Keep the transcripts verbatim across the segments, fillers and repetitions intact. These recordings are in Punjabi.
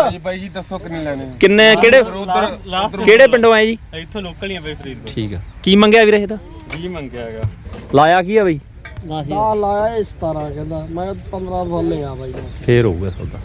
ਜੀ ਬਾਈ ਜੀ ਦੱਸੋ ਕਿੰਨੇ ਲੈਣੇ ਕਿੰਨੇ ਕਿਹੜੇ ਕਿਹੜੇ ਪਿੰਡੋਂ ਆਏ ਜੀ ਇੱਥੋਂ ਲੋਕਲ ਹੀ ਆ ਬਈ ਫਰੀਦਕੋਟ ਠੀਕ ਆ ਕੀ ਮੰਗਿਆ ਵੀਰੇ ਇਹਦਾ ਵੀਹ ਮੰਗਿਆ ਹੈਗਾ ਲਾਇਆ ਕੀ ਆ ਬਈ ਦਾ ਲਾਇਆ ਇਸ ਤਰ੍ਹਾਂ ਕਹਿੰਦਾ ਮੈਂ ਪੰਦਰਾਂ ਥੱਲੇ ਆ ਬਾਈ ਫੇਰ ਹੋਊਗਾ ਸੌਦਾ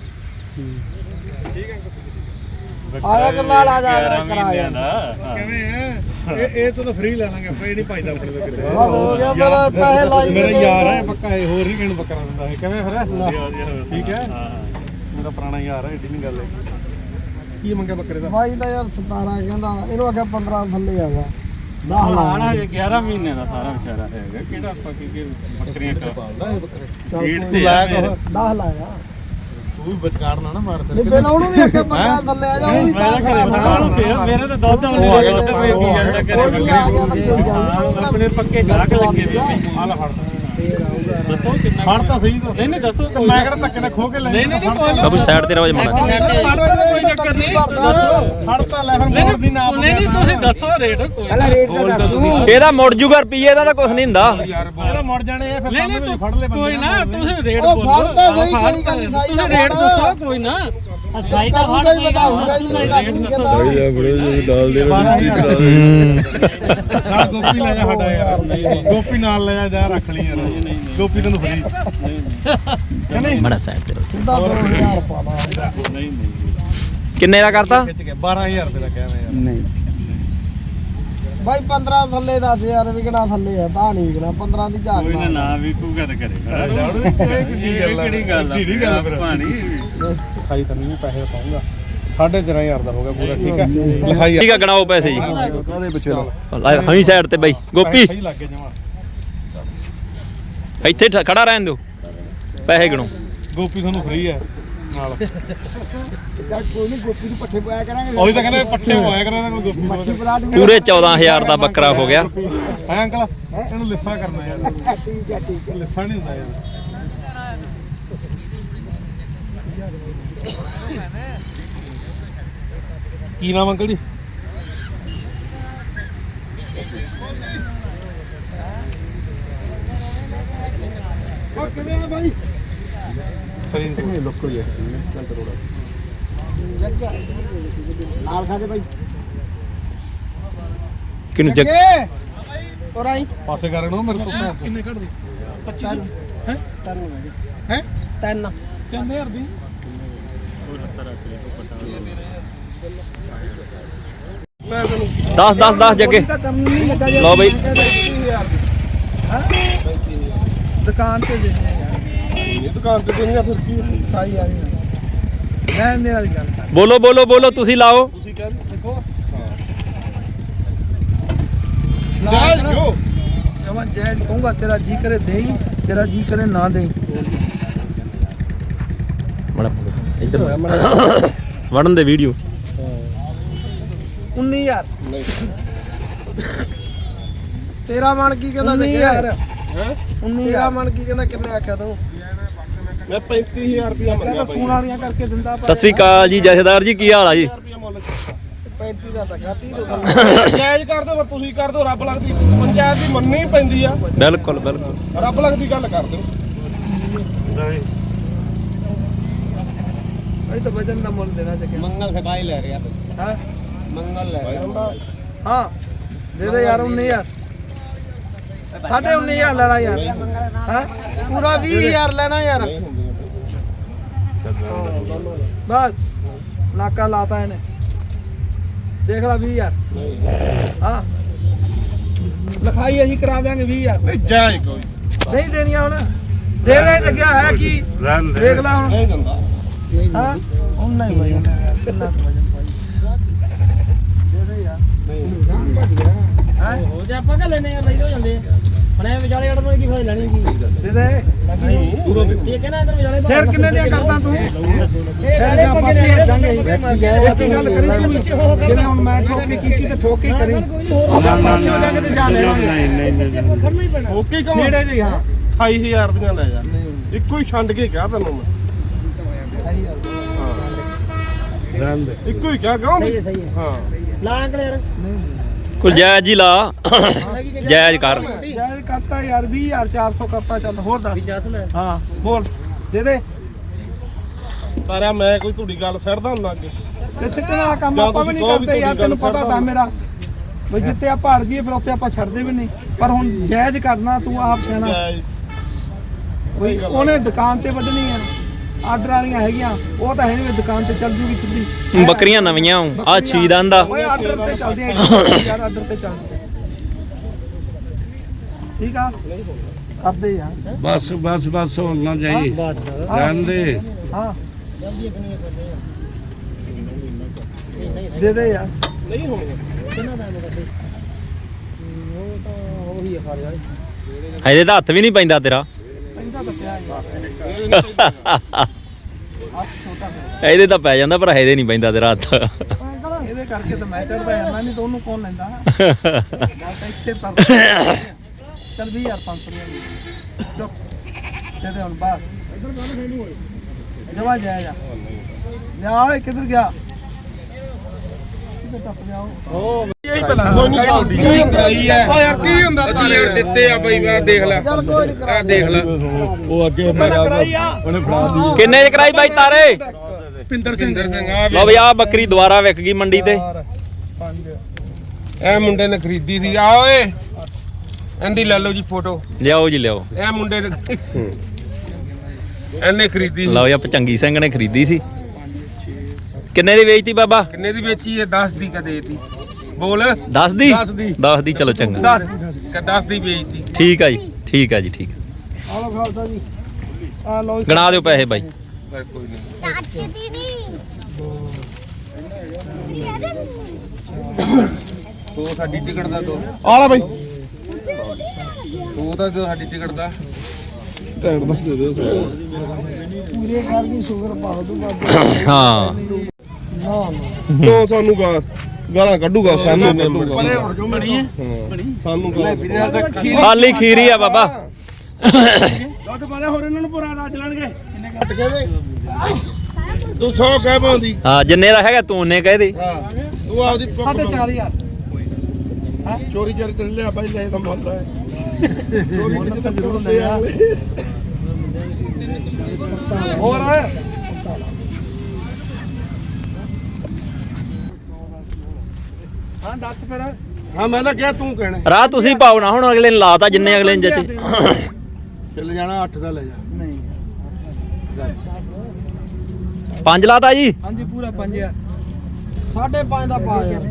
ਆਇਆ ਕਰਨਾਲ ਆ ਜਾ ਕਿਰਾਇਆ ਕਿਵੇਂ ਹੈ ਇਹ ਇਹ ਤੋਂ ਤਾਂ ਫ੍ਰੀ ਲੈ ਲਾਂਗੇ ਆਪਾਂ ਇਹ ਨਹੀਂ ਪਾਈਦਾ ਆਪਣੇ ਕੋਲ ਕਿਤੇ ਹੋ ਗਿਆ ਮੇਰਾ ਪੈਸੇ ਲਾਈ ਮੇਰਾ ਯਾਰ ਹੈ ਪੱਕਾ ਇਹ ਹੋਰ ਨਹੀਂ ਕਿਹਨੂੰ ਬੱਕਰਾ ਦਿੰਦਾ ਇਹ ਕਿਵੇਂ ਫਿਰ ਠੀਕ ਹੈ ਮੇਰਾ ਪੁਰਾਣਾ ਯਾਰ ਹੈ ਏਡੀ ਨਹੀਂ ਗੱਲ ਹੈ ਕੀ ਮੰਗਿਆ ਬੱਕਰੇ ਦਾ ਬਾਈ ਦਾ ਯਾਰ ਸਤਾਰਾਂ ਕਹਿੰਦਾ ਇਹਨੂੰ ਆਖਿਆ ਪੰਦਰਾਂ ਥੱਲੇ ਆ ਗਿਆ ਦਸ ਲਾ ਗਿਆਰਾਂ ਮਹੀਨੇ ਦਾ ਸਾਰਾ ਵਿਚਾਰਾ ਹੈਗਾ ਕਿਹੜਾ ਆਪਾਂ ਕੀ ਬੱਕਰੀਆਂ ਪਾਲਦਾ ਇਹ ਬੱਕਰੇ ਫੀਡ ਤੂੰ ਤੇ ਲਾਇਆ ਆ ਕੁਛ? ਦਸ ਲਾਇਆ ਤੂੰ ਵੀ ਵਿਚਕਾਰ ਨਾ ਨਾ ਮਾਰ ਫਿਰ ਨਹੀਂ ਪਹਿਲਾਂ ਉਹਨੂੰ ਵੀ ਆਖਿਆ ਪੰਦਰਾਂ ਥੱਲੇ ਆ ਜਾ ਉਹ ਵੀ ਤਾਂ ਖੜਾ ਮੇਰੇ ਤਾਂ ਦੁੱਧ ਉਹ ਆ ਗਿਆ ਦੁੱਧ ਪਈ ਕੀ ਜਾਂਦਾ ਕੋਈ ਆ ਗਿਆ ਤਾਂ ਕੋਈ ਗੱਲ ਨਹੀਂ ਆਪਣੇ ਪੱਕੇ ਗਾਹਕ ਲੱਗੇ ਵੇ ਆ ਲੈ ਫੜ ਦੱਸੋ ਕਿੰਨਾ ਫੜ ਤਾਂ ਸਹੀ ਤੂੰ ਨਹੀਂ ਨਹੀਂ ਦੱਸੋ ਤੇ ਮੈਂ ਕਿਹੜਾ ਧੱਕੇ ਨਾਲ ਖੋ ਕੇ ਲੈ ਨਹੀਂ ਨਹੀਂ ਕੋਈ ਬਾਬੂ ਸਾਈਡ ਤੇ ਰਹੋ ਜੀ ਮਣਾ ਕੋਈ ਚੱਕਰ ਨਹੀਂ ਦੱਸੋ ਫੜ ਤਾਂ ਲੈ ਫਿਰ ਮੋੜ ਦੀ ਨਾ ਨਹੀਂ ਨਹੀਂ ਤੁਸੀਂ ਦੱਸੋ ਰੇਟ ਕੋਈ ਪਹਿਲਾਂ ਰੇਟ ਦਾ ਦੱਸੋ ਇਹਦਾ ਮੁੜ ਜੂਗਾ ਰੁਪਈਏ ਦਾ ਤਾਂ ਕੁਝ ਨਹੀਂ ਹੁੰਦਾ ਇਹਦਾ ਮੁੜ ਜਾਣੇ ਇਹ ਫਿਰ ਨਹੀਂ ਨਹੀਂ ਸਾਹਮਣੇ ਫੜ ਲੈ ਬੰਦੇ ਕੋਈ ਨਾ ਤੁਸੀਂ ਰੇਟ ਉਹ ਬੋਲੋ ਫੜ ਤਾਂ ਸਹੀ ਕੋਈ ਗੱਲ ਨਹੀਂ ਸਾਈ ਤੁਸੀਂ ਰੇਟ ਦੱਸੋ ਕੋਈ ਨਾ ਸਾਈ ਦਾ ਫੜ ਹੀ ਬਤਾਊਗਾ ਜੀ ਮੈਂ ਘੱਟ ਨਹੀਂ ਕਹਿੰਦਾ ਆ ਬੜੇ ਜਿਹੇ ਡਾਲ ਦੇ ਨਾਲ ਗੋਪੀ ਲੈ ਜਾ ਸਾਡਾ ਯਾਰ ਗੋਪੀ ਨਾਲ ਲੈ ਜਾ ਜਾ ਰੱਖ ਲਈ ਯਾਰ ਗੋਪੀ ਤੈਨੂੰ ਫਰੀ ਨਹੀਂ ਮੜਾ ਸਾਈਡ ਤੇ ਰਹੋ ਸਿੱਧਾ ਦੋ ਹਜ਼ਾਰ ਪਾ ਲਾ ਨਹੀਂ ਨਹੀਂ ਕਿੰਨੇ ਦਾ ਕਰਤਾ ਖਿੱਚ ਗਿਆ ਬਾਰਾਂ ਹਜ਼ਾਰ ਰੁਪਏ ਦਾ ਕਿਹਾ ਮੈਂ ਯਾਰ ਨਹੀਂ ਬਾਈ ਪੰਦਰਾਂ ਥੱਲੇ ਦਸ ਹਜ਼ਾਰ ਵਿਕਣਾ ਥੱਲੇ ਆ ਤਾਂ ਨਹੀਂ ਵਿਕਣਾ ਪੰਦਰਾਂ ਦੀ ਝਾਕ ਕੋਈ ਨਾ ਮਾਰ। ਨਾ ਵਿਕੂਗਾ ਤਾਂ ਕਰੇਗਾ ਕਿਹੜੀ ਗੱਲ ਆ ਕਿਹੜੀ ਗੱਲ ਆ ਕਿਹੜੀ ਗੱਲ ਫਿਰ ਪਾਣੀ ਲਿਖਾਈ ਤਾਂ ਨਹੀਂ ਪੈਸੇ ਪਾਉਂਗਾ ਸਾਢੇ ਤੇਰਾਂ ਹਜ਼ਾਰ ਦਾ ਹੋ ਗਿਆ ਪੂਰਾ ਠੀਕ ਹੈ ਲਿਖਾਈ ਠੀਕ ਆ ਗਣਾਓ ਪੈਸੇ ਜੀ ਉਹਦੇ ਪਿੱਛੇ ਲੈ ਹਮੀ ਸਾਈਡ ਤੇ ਬਾਈ ਗੋਪੀ ਸਹੀ ਲੱਗ ਗਿਆ ਜਮਾ ਇੱਥੇ ਠ- ਖੜਾ ਰਹਿਣ ਦਿਓ ਪੈਸੇ ਗਣੋ ਗੋਪੀ ਤੁਹਾਨੂੰ ਫ੍ਰੀ ਹੈ ਨਾਲ ਕੋਈ ਨਹੀਂ ਗੋਪੀ ਨੂੰ ਪੱਠੇ ਪਾਇਆ ਕਰਾਂਗੇ ਉਹੀ ਤਾਂ ਕਹਿੰਦੇ ਪੱਠੇ ਹੋਇਆ ਕਰਾਂ ਕੋਈ ਗੋਪੀ ਮੱਛੀ ਪਲਾਟ ਵੀ ਪੂਰੇ ਚੌਦਾਂ ਹਜ਼ਾਰ ਦਾ ਬੱਕਰਾ ਹੋ ਗਿਆ ਹੈ ਅੰਕਲ ਇਹਨੂੰ ਲਿੱਸਾ ਕਰਨਾ ਯਾਰ ਠੀਕ ਹੈ ਠੀਕ ਹੈ ਲਿੱਸਾ ਨਹੀਂ ਹੁੰਦਾ ਯਾਰ ਕੀ ਨਾਮ ਅੰਕਲ ਜੀ ਉਹ ਕਿਵੇਂ ਆ ਬਾਈ ਫਰੀਦਕੋਟ ਲੋਕਲ ਹੀ ਹੈ ਘੰਟਾ ਰੋੜਾ ਜੱਗਾ ਨਾਲ ਖਾ ਕੇ ਬਾਈ ਕਿਨੂੰ ਜੱਗ ਜੱਗੇ ਔਰ ਆਈ ਪਾਸੇ ਕਰ ਨੂੰ ਮੇਰੇ ਕੋਲ ਕਿੰਨੇ ਕੱਢ ਦੇ ਪੱਚੀ ਹੈ ਤਿੰਨ ਹੈ ਤਿੰਨ ਤਿੰਨ ਹਜ਼ਾਰ ਦੀ ਮੈਂ ਤੈਨੂੰ ਦਸ ਦਸ ਦਸ ਜੱਗੇ ਤਾਂ ਕੰਮ ਨਹੀਂ ਲੱਗਾ ਜੇ ਲਓ ਬਈ। ਦੁਕਾਨ ਤੇ ਦੇ ਇਹ ਦੁਕਾਨ ਤੇ ਕੋਈ ਨਹੀਂ ਫਿਰ ਕੀ ਸਾਈ ਆ ਰਹੀ ਲੈਣ ਦੇ ਵਾਲੀ ਗੱਲ ਕਰ ਬੋਲੋ ਬੋਲੋ ਬੋਲੋ ਤੁਸੀਂ ਲਾਓ ਤੁਸੀਂ ਕਹਿ ਦੇਖੋ ਜਾਇਜ਼ ਜੋ ਜਮਨ ਜੈਜ ਕਹੂੰਗਾ ਤੇਰਾ ਜੀ ਕਰੇ ਦੇਈ ਤੇਰਾ ਜੀ ਕਰੇ ਨਾ ਦੇਈ ਮੜਾ ਇੱਧਰ ਵੜਨ ਦੇ ਵੀਡੀਓ ਉੱਨੀ ਹਜ਼ਾਰ ਤੇਰਾ ਮਨ ਕੀ ਕਹਿੰਦਾ ਜੱਗੇ ਯਾਰ ਹੈ ਉੱਨੀ ਤੇਰਾ ਮਨ ਕੀ ਕਹਿੰਦਾ ਕਿੰਨੇ ਆਖਿਆ ਤੂੰ ਮੈਂ ਪੈਂਤੀ ਹਜ਼ਾਰ ਰੁਪਇਆ ਮੰਗਿਆ ਫੋਨ ਵਾਲੀਆਂ ਕਰਕੇ ਦਿੰਦਾ ਸਤਿ ਸ੍ਰੀ ਅਕਾਲ ਜੀ ਜਥੇਦਾਰ ਜੀ ਕੀ ਹਾਲ ਆ ਜੀ ਪੈਂਤੀ ਦਾ ਤਾਂ ਗਾ ਤੀਹ ਤੋਂ ਜਾਇਜ਼ ਕਰ ਦਿਓ ਤੁਸੀਂ ਕਰ ਦਿਓ ਰੱਬ ਲੱਗਦੀ ਪੰਚਾਇਤ ਦੀ ਮੰਨਣੀ ਪੈਂਦੀ ਆ ਬਿਲਕੁਲ ਬਿਲਕੁਲ ਰੱਬ ਲੱਗਦੀ ਗੱਲ ਕਰ ਦਿਓ ਅਸੀਂ ਤਾਂ ਵਜਨ ਦਾ ਮੁੱਲ ਦੇਣਾ ਜੱਗੇ ਮੰਗਲ ਸਕਾਈ ਲੈ ਰਿਹਾ ਹਾਂ ਮੰਗਲ ਲੈ ਹਾਂ ਦੇ ਦੇ ਯਾਰ ਉੱਨੀ ਹਜ਼ਾਰ ਸਾਢੇ ਉੱਨੀ ਹਜ਼ਾਰ ਲੈਣਾ ਯਾਰ ਹਾਂ ਪੂਰਾ ਵੀਹ ਹਜ਼ਾਰ ਲੈਣਾ ਯਾਰ ਬਸ ਨਾਕਾ ਲਾਤਾ ਇਹਨੇ ਦੇਖ ਲੈ ਵੀਹ ਹਜ਼ਾਰ ਹਾਂ ਲਿਖਾਈ ਅਸੀਂ ਕਰਾ ਦਿਆਂਗੇ ਵੀਹ ਹਜ਼ਾਰ ਨਹੀਂ ਜਾਇਜ਼ ਕੋਈ ਨਹੀਂ ਦੇਣੀਆਂ ਹੁਣ ਦੇ ਦੇ ਲੱਗਿਆ ਹੈ ਕੀ ਦੇਖ ਲੈ ਹੁਣ ਨਹੀਂ ਦਿੰਦਾ ਹਾਂ ਉਹਨਾਂ ਹੀ ਵਜਨ ਹੈ ਕਿੰਨਾ ਕੁ ਵਜਨ ਪਾਈ ਦੇ ਦੇ ਯਾਰ ਹੈ ਹੋ ਜਾ ਆਪਾਂ ਕਿ ਲੈਣੇ ਯਾਰ ਲਈ ਹੋ ਜਾਂਦੇ ਹੁਣ ਐ ਵਿਚਾਲੇ ਅੜਨ ਦੀ ਕੀ ਫਾਇਦਾ ਲੈਣੀ ਕੀ ਦੇ ਦੇ ਇਹ ਕਹਿੰਦਾ ਇਧਰ ਵਿਚਾਲੇ ਫੇਰ ਕਿੰਨੇ ਦੀਆਂ ਕਰਦਾ ਤੂੰ ਇਹ ਫੇਰ ਜਾਂ ਪਾਸੇ ਹਟ ਜਾਾਂਗੇ ਇੱਕ ਗੱਲ ਕਰੀ ਤੂੰ ਵੀ ਜਿਵੇਂ ਹੁਣ ਮੈਂ ਠੋਕੀ ਕੀਤੀ ਤੇ ਠੋਕੀ ਕਰੀ ਆਪਾਂ ਪਾਸੇ ਹੋ ਜਾਾਂਗੇ ਤੇ ਜਾ ਲੈਵਾਂਗੇ ਨਹੀਂ ਨਹੀਂ ਖੜਨਾ ਹੀ ਪੈਣਾ ਓਕੇ ਕਮ ਨੇੜੇ ਜੀ ਹਾਂ ਅਠਾਈ ਹਜ਼ਾਰ ਦੀਆਂ ਲੈ ਜਾ ਇੱਕੋ ਹੀ ਛੰਡ ਕੇ ਕਿਹਾ ਤੈਨੂੰ ਮੈਂ ਰਹਿਣ ਦੇ ਇੱਕੋ ਹੀ ਕਿਹਾ ਕਿਉਂ ਸਹੀ ਹੈ ਸਹੀ ਹੈ ਹਾਂ ਲਾ ਅੰਕਲ ਯਾਰ ਕੋਈ ਜਾਇਜ਼ ਹੀ ਲਾ ਜਾਇਜ਼ ਕਰ ਯਾਰ ਕਰਤਾ ਯਾਰ ਵੀਹ ਹਜ਼ਾਰ ਚਾਰ ਸੌ ਕਰਤਾ ਚੱਲ ਹੋਰ ਦੱਸ ਜਸ ਲੈ ਹਾਂ ਬੋਲ ਦੇ ਦੇ ਤਾਰਿਆ ਮੈਂ ਕੋਈ ਤੁਹਾਡੀ ਗੱਲ ਛੱਡਦਾ ਹੁੰਦਾ ਅੱਗੇ ਤੇ ਸਿੱਟਣ ਵਾਲਾ ਕੰਮ ਜਾਂ ਆਪਾਂ ਵੀ ਤੁਸੀਂ ਨਹੀਂ ਕਹੋ ਵੀ ਕਰਦੇ ਯਾਰ, ਤੁਹਾਡੀ ਤੈਨੂੰ ਗੱਲ ਪਤਾ ਤਾਂ ਮੇਰਾ ਬਈ ਜਿੱਥੇ ਆ ਪਹਾੜ ਜੀਏ ਫਿਰ ਉੱਥੇ ਆਪਾਂ ਛੱਡਦੇ ਵੀ ਨਹੀਂ, ਪਰ ਹੁਣ ਜਾਇਜ਼ ਕਰਨਾ ਤੂੰ ਆਪ ਸਿਆਣਾ ਬਈ ਉਹਨੇ ਦੁਕਾਨ ਤੇ ਵੱਢਣੀ ਆ, ਆਰਡਰ ਵਾਲੀਆਂ ਹੈਗੀਆਂ ਉਹ ਤਾਂ ਹੈ ਨਹੀਂ, ਦੁਕਾਨ ਤੇ ਚੱਲ ਜੂਗੀ ਸਿੱਧੀ। ਬੱਕਰੀਆਂ ਨਵੀਆਂ ਆ ਛੀ ਦੰਦ ਦਾ ਓਏ ਆਰਡਰ ਤੇ ਚੱਲਦੀਆਂ ਯਾਰ, ਆਰਡਰ ਤੇ ਚੱਲਦੀਆਂ ਠੀਕ ਆ ਕਰਦੇ ਯਾਰ ਬਸ ਬਸ ਬਸ ਹੋਣਾ ਜਾਈ ਜਾਂਦੇ ਹਾਂ ਦੇ ਦੇ ਯਾਰ ਨਹੀਂ ਹੋਣਗੇ ਕਿੰਨਾ ਟਾਈਮ ਕੱਢੇ ਉਹ ਤਾਂ ਉਹੀ ਆ ਖਾ ਰਿਹਾ ਇਹਦੇ ਤਾਂ ਹੱਥ ਵੀ ਨਹੀਂ ਪੈਂਦਾ ਤੇਰਾ ਪੈਂਦਾ ਤਾਂ ਪਿਆ ਯਾਰ ਹੱਥ ਛੋਟਾ ਮੇਰਾ ਇਹਦੇ ਤਾਂ ਪੈ ਜਾਂਦਾ ਪਰ ਇਹਦੇ ਨਹੀਂ ਪੈਂਦਾ ਤੇਰਾ ਹੱਥ ਇਹਦੇ ਕਰਕੇ ਤਾਂ ਮੈਂ ਚੜਦਾ ਜਾਂਦਾ ਨਹੀਂ ਤਾਂ ਉਹਨੂੰ ਕੌਣ ਲੈਂਦਾ ਗੱਲ ਤਾਂ ਇੱਥੇ ਪਰ ਚੱਲ ਵੀਹ ਹਜ਼ਾਰ ਪੰਜ ਸੌ ਰੁਪਏ ਚੁੱਪ ਦੇ ਦੇ ਹੁਣ ਬਸ ਜਵਾ ਜਾਇਆ ਜਾ ਜਾ ਓਏ ਕਿੱਧਰ ਗਿਆ ਕਿੱਧਰ ਟੱਪ ਗਿਆ ਉਹ ਇਹੀ ਪਹਿਲਾਂ ਕੀ ਕਰਾਈ ਹੈ ਓ ਯਾਰ ਕੀ ਹੁੰਦਾ ਤਾਰੇ ਦਿੱਤੇ ਆ ਬਈ ਮੈਂ ਦੇਖ ਲੈ ਚੱਲ ਕੋਈ ਨਹੀਂ ਕਰਾ ਦੇਖ ਲੈ ਉਹ ਅੱਗੇ ਕਰਾਈ ਆ ਉਹਨੇ ਫੜਾ ਦੀ ਕਿੰਨੇ ਚ ਕਰਾਈ ਬਾਈ ਤਾਰੇ ਪਿੰਦਰ ਸਿੰਘ ਸਿੰਘ ਆ ਲਓ ਬਈ ਆ ਬੱਕਰੀ ਦੁਬਾਰਾ ਵਿਕ ਗਈ ਮੰਡੀ ਤੇ ਪੰਜ ਇਹ ਮੁੰਡੇ ਨੇ ਖਰੀਦੀ ਸੀ ਆ ਓਏ ਇਹਦੀ ਲੈ ਲਓ ਜੀ ਫੋਟੋ ਲਿਆਓ ਜੀ ਲਿਆਓ ਇਹ ਮੁੰਡੇ ਨੇ ਇਹਨੇ ਖਰੀਦੀ ਸੀ ਲਓ ਜੀ ਆਪਾਂ ਚੰਗੀ ਸਿੰਘ ਨੇ ਖਰੀਦੀ ਸੀ ਕਿੰਨੇ ਦੀ ਵੇਚਤੀ ਬਾਬਾ ਕਿੰਨੇ ਦੀ ਵੇਚੀ ਹੈ ਦਸ ਦੀ ਕਦੇ ਤੀ ਬੋਲ ਦਸ ਦੀ ਦਸ ਦੀ। ਦਸ ਦੀ ਚਲੋ ਚੰਗਾ ਦਸ ਕ ਦਸ ਦੀ ਵੇਚਤੀ ਠੀਕ ਆ ਜੀ ਠੀਕ ਆ ਜੀ ਠੀਕ ਆ ਲੋ ਖਾਲਸਾ ਜੀ ਆ ਲੋ ਗਣਾ ਦਿਓ ਪੈਸੇ ਬਾਈ ਪਰ ਕੋਈ ਨਹੀਂ ਤੋ ਸਾਡੀ ਟਿਕਟ ਦਾ ਦੋ ਆ ਲੈ ਬਈ ਤੋ ਤਾਂ ਦਿਓ ਸਾਡੀ ਟਿਕਟ ਦਾ ਟੈਂਟ ਦਾ ਦੇ ਦਿਓ ਪੂਰੇ ਕਰ ਦੀ ਸ਼ੂਗਰ ਪਾ ਦੋ ਬਾਬਾ ਹਾਂ ਨਾ ਨੋ ਸਾਨੂੰ ਗਾ ਗਾਲਾਂ ਕੱਢੂਗਾ ਸਾਨੂੰ ਪਰੇ ਹੁਣ ਜੋ ਬਣੀ ਹੈ ਸਾਨੂੰ ਗਾਲਾਂ ਖਾਲੀ ਖੀਰੀ ਆ ਬਾਬਾ ਦੁੱਧ ਪਾਲੇ ਹੋਰ ਇਹਨਾਂ ਨੂੰ ਪੂਰਾ ਰਾਜ ਲੈਣਗੇ ਕੱਟ ਕੇ ਦੇ ਤੂੰ ਸੌ ਕਹਿ ਪਾਉਂਦੀ ਹਾਂ ਜਿੰਨੇ ਦਾ ਹੈਗਾ ਤੂੰ ਉਹਨੇ ਕਹਿ ਦੇ ਹਾਂ ਤੂੰ ਆਪਦੀ ਸਾਢੇ ਚਾਰ ਹਜ਼ਾਰ ਹਾਂ ਚੋਰੀ ਚੋਰੀ ਤੇ ਲਿਆ ਬਾਈ ਲੈ ਤਾਂ ਮੁੱਲ ਹੈ ਚੋਰੀ ਮੁੱਲ ਕਿਤੇ ਤਾਂ ਤਾਂ ਜ਼ਰੂਰ ਜ਼ਰੂਰ ਲਿਆ। ਹੋਰ ਹਾਂ ਦੱਸ ਫਿਰ ਹਾਂ ਮੈਂ ਤਾਂ ਕਿਹਾ ਤੂੰ ਕਹਿਣਾ ਰਾਹ ਤੁਸੀਂ ਪਾਓ ਨਾ ਹੁਣ ਅਗਲੇ ਨੇ ਲਾਤਾ ਜਿੰਨੇ ਅਗਲੇ ਨੇ ਜੱਚੇ ਚੱਲ ਜਾਣਾ ਅੱਠ ਦਾ ਲੈ ਜਾ ਨਹੀਂ ਪੰਜ ਲਾਤਾ ਜੀ ਹਾਂਜੀ ਪੂਰਾ ਪੰਜ ਹਜ਼ਾਰ ਸਾਢੇ ਪੰਜ ਦਾ ਪਾ ਯਾਰ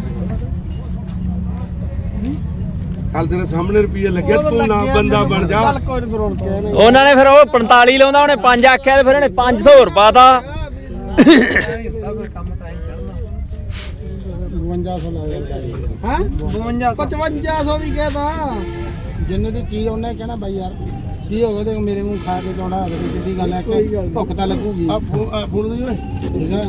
ਕੱਲ ਤੇਰੇ ਸਾਹਮਣੇ ਰੁਪਈਆ ਲੱਗਿਆ ਤੂੰ ਨਾ ਬੰਦਾ ਬਣ ਜਾ ਚੱਲ ਕੋਈ ਨਹੀਂ ਰੋਣ ਕੇ ਉਹਨਾਂ ਨੇ ਫਿਰ ਉਹ ਪੰਤਾਲੀ ਲਾਉਂਦਾ ਉਹਨੇ ਪੰਜ ਆਖਿਆ ਤੇ ਫਿਰ ਇਹਨੇ ਪੰਜ ਸੌ ਹੋਰ ਪਾਤਾ ਕੰਮ ਤਾਂ ਹੀ ਚੜਨਾ ਬਵੰਜਾ ਸੌ ਲਾ ਦਿੰਦਾ ਜੀ ਹਾਂ ਬਵੰਜਾ ਪਚਵੰਜਾ ਸੌ ਵੀ ਕਹਦਾ ਜਿੰਨੇ ਦੀ ਚੀਜ਼ ਉਹਨੇ ਕਹਿਣਾ ਬਾਈ ਯਾਰ ਕੀ ਹੋ ਗਿਆ ਤੇ ਮੇਰੇ ਮੂੰਹ ਖਾ ਕੇ ਚੌੜਾ ਹੋ ਗਿਆ ਕਿੱਡੀ ਗੱਲ ਹੈ ਕਿ ਭੁੱਖ ਤਾਂ ਲੱਗੂਗੀ ਆ ਫੋਨ ਦੇ ਓਏ ਠੀਕ ਹੈ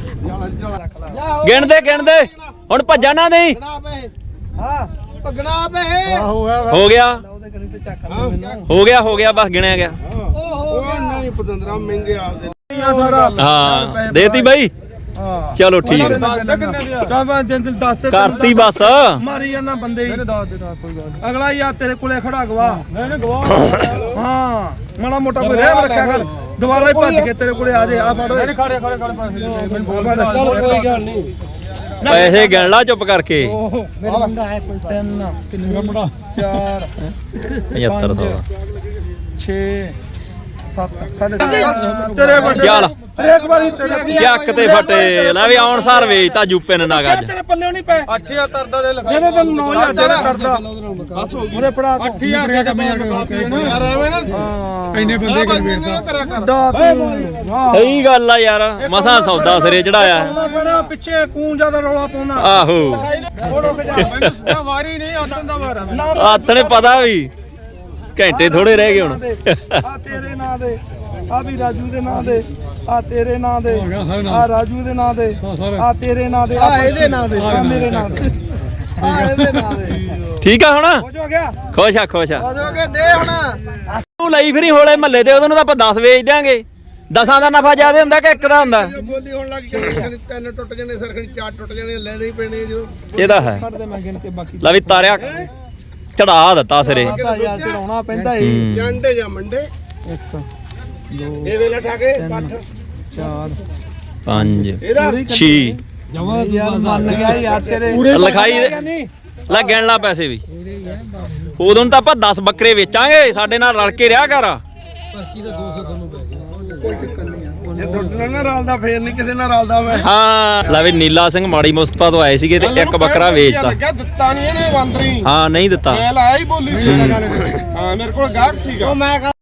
ਗਿਣਦੇ ਗਿਣਦੇ ਹੁਣ ਭੱਜਾ ਨਾ ਨਹੀਂ ਗਣਾ ਪਏ ਹਾਂ ਗਣਾ ਪਏ ਆਹੋ ਹੋ ਗਿਆ ਉਹਦੇ ਕਰੀ ਤੇ ਚੱਕ ਲੈ ਮੈਨੂੰ ਹੋ ਗਿਆ ਹੋ ਗਿਆ ਬਸ ਗਿਣਿਆ ਗਿਆ ਉਹ ਨਹੀਂ ਪਤੰਦਰਾ ਮਹਿੰਗੇ ਆਪਦੇ ਸਾਰਾ ਹਾਂ ਦੇਤੀ ਬਾਈ ਹਾਂ ਚਲੋ ਠੀਕ ਹੈ ਕਾਹਦਾ ਦਿਨ ਦਿਨ ਦੱਸ ਤੇ ਕਰਤੀ ਬਸ ਮਾਰੀ ਜਾਂਦਾ ਬੰਦੇ ਹੀ ਦੱਸ ਦੇ ਕੋਈ ਗੱਲ ਅਗਲਾ ਯਾਰ ਤੇਰੇ ਕੋਲੇ ਖੜਾ ਗਵਾ ਨਹੀਂ ਨਹੀਂ ਗਵਾ ਹਾਂ ਮਾੜਾ ਮੋਟਾ ਕੋਈ ਰਹਿ ਰੱਖਿਆ ਕਰ ਦੁਬਾਰਾ ਹੀ ਭੱਜ ਕੇ ਤੇਰੇ ਕੋਲੇ ਆ ਜੇ ਆ ਫੜ ਓਏ ਖੜੇ ਖੜੇ ਖੜੇ ਚੱਲ ਕੋਈ ਗੱਲ ਨਹੀਂ ਪੈਸੇ ਗਿਣ ਲਾ ਚੁੱਪ ਕਰਕੇ ਮੇਰਾ ਬੰਦਾ ਹੈ ਕੋਈ ਤਿੰਨ ਕਿੰਨੇ ਮੁੰਡਾ ਚਾਰ ਪਝੱਤਰ ਸੌ ਦਾ ਛੇ ਸੱਤ ਸਾਢੇ ਸੱਤ ਤੇਰੇ ਵੱਡੇ ਚੱਲ। ਹਰੇਕ ਵਾਰੀ ਤੇਰੇ ਚੱਕ ਤੇ ਫਟੇ ਲੈ ਵੀ ਆਉਣ ਸਾਰ ਵੇਚਤਾ ਜੂਪੇ ਨੇ ਨਗ ਅੱਜ ਤੇਰੇ ਪੱਲੇ ਨਹੀਂ ਪਏ ਅੱਠ ਹਜ਼ਾਰ ਤਰਦਾ ਦੇ ਲਿਖਾ ਜਿਹਦੇ ਤੈਨੂੰ ਨੌ ਹਜ਼ਾਰ ਦੇਣਾ ਕਰਦਾ ਬਸ ਹੋ ਗਈ ਉਹਨੇ ਫੜਾ ਕੇ ਅੱਠ ਹਜ਼ਾਰ ਦੇ ਕੰਮ ਯਾਰ ਐਵੇਂ ਨਾ ਹਾਂ ਇੰਨੇ ਬੰਦੇ ਕਰ ਵੇਚਦਾ ਕਰਿਆ ਕਰ ਦਾ ਵਾਹ ਸਹੀ ਗੱਲ ਆ ਯਾਰ ਮਸਾਂ ਸੌਦਾ ਸਿਰੇ ਚੜਾਇਆ ਫਿਰ ਪਿੱਛੇ ਕੂੰ ਜਿਆਦਾ ਰੌਲਾ ਪਾਉਣਾ ਆਹੋ ਫੋੜੋ ਕੇ ਜਾ ਮੈਨੂੰ ਸਿੱਧਾ ਵਾਰੀ ਨਹੀਂ ਆਤਨ ਦਾ ਵਾਰਾ ਹੱਥ ਨੇ ਪਤਾ ਵੀ ਘੰਟੇ ਥੋੜੇ ਰਹਿ ਗਏ ਹੁਣ ਆ ਤੇਰੇ ਨਾਂ ਦੇ ਆ ਵੀ ਰਾਜੂ ਦੇ ਨਾਂ ਦੇ ਆ ਤੇਰੇ ਨਾਂ ਦੇ ਆ ਰਾਜੂ ਦੇ ਨਾਂ ਦੇ ਆ ਤੇਰੇ ਨਾਂ ਦੇ ਆ ਇਹਦੇ ਨਾਂ ਦੇ ਆ ਮੇਰੇ ਨਾਂ ਦੇ ਆ ਇਹਦੇ ਨਾਂ ਦੇ ਠੀਕ ਆ ਹੁਣ ਹੋ ਜੋ ਗਿਆ ਖੁਸ਼ ਆ ਖੁਸ਼ ਆ ਹੋ ਜੋ ਕੇ ਦੇ ਹੁਣ ਤੂੰ ਲਈ ਫਿਰੀ ਹੋਲੇ ਮਹੱਲੇ ਤੇ ਉਹਦੋਂ ਨੂੰ ਤਾਂ ਆਪਾਂ ਦਸ ਵੇਚ ਦਿਆਂਗੇ ਦਸਾਂ ਦਾ ਨਫਾ ਜ਼ਿਆਦਾ ਹੁੰਦਾ ਕਿ ਇੱਕ ਦਾ ਹੁੰਦਾ ਬੋਲੀ ਹੋਣ ਲੱਗ ਜਾਣੀ ਤਿੰਨ ਟੁੱਟ ਜਾਣੇ ਸਰਖਣੀ ਚਾਰ ਟੁੱਟ ਜਾਣੇ ਲੈਣੇ ਹੀ ਪੈਣੇ ਜਦੋਂ ਇਹਦਾ ਹੈ ਛੱਡ ਦੇ ਮੈਂ ਗਿਣ ਕੇ ਬਾਕੀ ਲੈ ਵੀ ਤਾਰਿਆ ਚੜਾ ਦਿੱਤਾ ਸਿਰੇ ਪਤਾ ਯਾਰ ਚੜਾਉਣਾ ਪੈਂਦਾ ਏ ਹੂੰ। ਜਾਂਡੇ ਜਾਂ ਮੰਡੇ ਇੱਕ ਇਹ ਵੇਲੇ ਠਾ ਕੇ ਪੱਠ ਚਾਰ ਪੰਜ ਇਹਦਾ ਛੇ ਯਾਰ ਮੰਨ ਗਿਆ ਯਾਰ ਤੇਰੇ ਲਿਖਾਈ ਦੇ ਲੈ ਗਿਣ ਲਾ ਪੈਸੇ ਵੀ ਉਦੋਂ ਤਾਂ ਆਪਾਂ ਦਸ ਬੱਕਰੇ ਵੇਚਾਂਗੇ ਸਾਡੇ ਨਾਲ ਰਲ ਕੇ ਰਿਹਾ ਕਰ ਕੋਈ ਚੱਕਰ ਨਹੀਂ ਆ ਜੇ ਤੁਹਾਡੇ ਨਾਲ ਰਲਦਾ ਫੇਰ ਨਹੀਂ ਕਿਸੇ ਨਾਲ ਰਲਦਾ ਮੈਂ ਹਾਂ ਲੈ ਵੀ ਨੀਲਾ ਸਿੰਘ ਮਾੜੀ ਮੁਸਤਫਾ ਤੋਂ ਆਏ ਸੀਗੇ ਤੇ ਇੱਕ ਬੱਕਰਾ ਵੇਚਤਾ ਲੱਗਿਆ ਦਿੱਤਾ ਨਹੀਂ ਇਹਨੇ ਬੰਦਰੀ ਹਾਂ ਨਹੀਂ ਦਿੱਤਾ ਮੈਂ ਲਾਇਆ ਹੀ ਬੋਲੀ ਹਾਂ ਮੇਰੇ ਕੋਲ ਗਾਹਕ ਸੀਗਾ ਉਹ ਮੈਂ